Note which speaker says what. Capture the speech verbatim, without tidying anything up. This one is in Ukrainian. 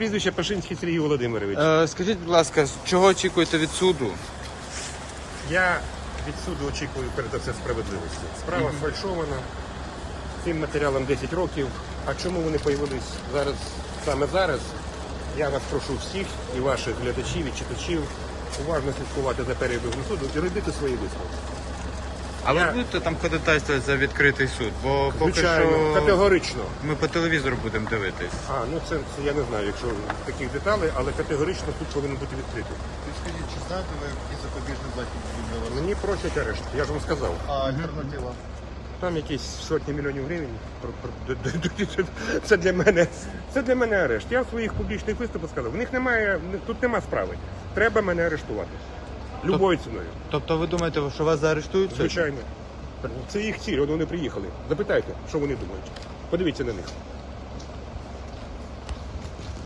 Speaker 1: прізвище Пашинський Сергій Володимирович.
Speaker 2: Е, скажіть, будь ласка, чого очікуєте від суду?
Speaker 1: Я від суду очікую перед все справедливості. Справа mm-hmm. сфальшована, цим матеріалам десять років. А чому вони з'явились зараз, саме зараз? Я вас прошу всіх, і ваших глядачів, і читачів, уважно слідкувати за перебігом суду і робити свої висновки.
Speaker 2: А
Speaker 1: Я-
Speaker 2: ви будете там ходатайствувати за відкритий суд? Бо поки
Speaker 1: Звичайно,
Speaker 2: що
Speaker 1: категорично.
Speaker 2: ми по телевізору будемо дивитись.
Speaker 1: А, ну це, це я не знаю, якщо таких деталей, але категорично суд повинен бути відкритий.
Speaker 3: Скажіть, чи знаєте ви, який запобіжний захід для вас?
Speaker 1: Мені просять арешт, я ж вам сказав.
Speaker 3: А альтернатива?
Speaker 1: Там якісь сотні мільйонів гривень. Про- про- д- д- д- Це для мене, це для мене арешт. Я в своїх публічних виступах сказав, в них немає, тут нема справи. Треба мене арештувати. Любою ціною.
Speaker 2: Тобто ви думаєте, що вас заарештують? сьогодні?
Speaker 1: Звичайно. Це їх ціль, от вони приїхали. Запитайте, що вони думають. Подивіться на них.